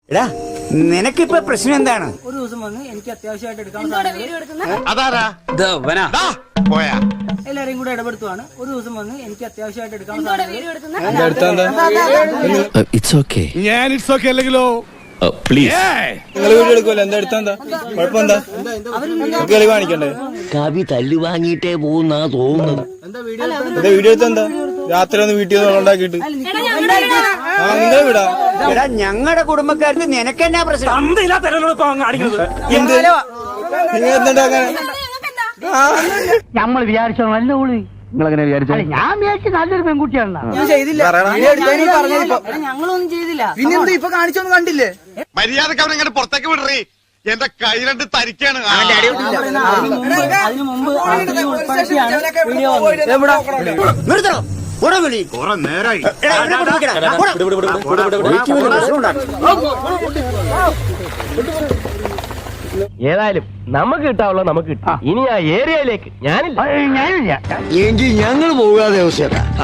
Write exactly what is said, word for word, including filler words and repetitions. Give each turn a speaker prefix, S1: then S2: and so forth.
S1: എടാ നിനക്കിപ്പോ പ്രശ്നം എന്താണ്?
S2: ഒരു ദിവസം വന്ന് എനിക്ക് അത്യാവശ്യമായിട്ട് എടുക്കാൻ എല്ലാരെയും കൂടെ ഇടപെടുത്തുവാണ്. ഒരു ദിവസം വന്ന് എനിക്ക് അത്യാവശ്യമായിട്ട് എടുക്കാൻ
S3: ഇറ്റ്സ് ഓക്കെ
S4: ഞാൻ ഇറ്റ്സ് ഓക്കെ അല്ലെങ്കിലോ
S3: പ്ലീസ്
S5: നിങ്ങൾ വീഡിയോ എടുക്കുമല്ലോ, എന്താ എടുത്താ എന്താ കുഴപ്പമെന്താ കളി കാണിക്കണ്ടേ?
S3: കവി തല്ലു വാങ്ങിയിട്ടേ പോകുന്നാ തോന്നുന്നത്.
S5: എന്താ വീഡിയോ എടുത്താ എന്താ രാത്രി ഒന്ന് വീട്ടിൽ നിന്ന് ഉണ്ടാക്കിയിട്ട് ആ നിങ്ങളെ വിടാ.
S1: എടാ ഞങ്ങളുടെ കുടുംബക്കാർക്ക് നിനക്കെന്നാ പ്രശ്നം?
S5: എന്ത് നിങ്ങൾ എന്തുണ്ടാക്കാൻ
S2: നമ്മൾ വിചാരിച്ചോ നല്ല ഓളി
S3: നിങ്ങളെങ്ങനെ വിചാരിച്ചു?
S2: ഞാൻ വിചാരിച്ചു നല്ലൊരു പെൺകുട്ടിയാണ്.
S5: ഞാൻ ചെയ്തില്ല.
S2: ഞങ്ങളൊന്നും ചെയ്തില്ല.
S5: പിന്നെന്താ ഇപ്പൊ കാണിച്ചൊന്നും കണ്ടില്ലേ?
S4: മര്യാദക്ക് അവനെ ഇങ്ങോട്ട് പുറത്തേക്ക് വിടറി. എന്റെ കൈ രണ്ട് തരിക്കാണ്.
S2: അതിനു മുമ്പ് ഉൾപ്പെടുത്തിയാണ് വീഡിയോ വന്നത്.
S1: നിർത്തണം. പോടാ വിളി.
S4: കുറെ നേരായി.
S1: എടാ, അവനെ കൊണ്ട് വിളിക്കടാ. പോടാ. എനിക്ക് വലിയ പ്രശ്നം ഉണ്ടാക്കും.
S6: ഏതായാലും നമുക്ക് കിട്ടാവുള്ള നമുക്ക് കിട്ടും. ഇനി ആ ഏരിയയിലേക്ക് ഞാനില്ല ഞാനില്ല
S3: എങ്കിൽ ഞങ്ങൾ പോകാതെ അവസ്ഥ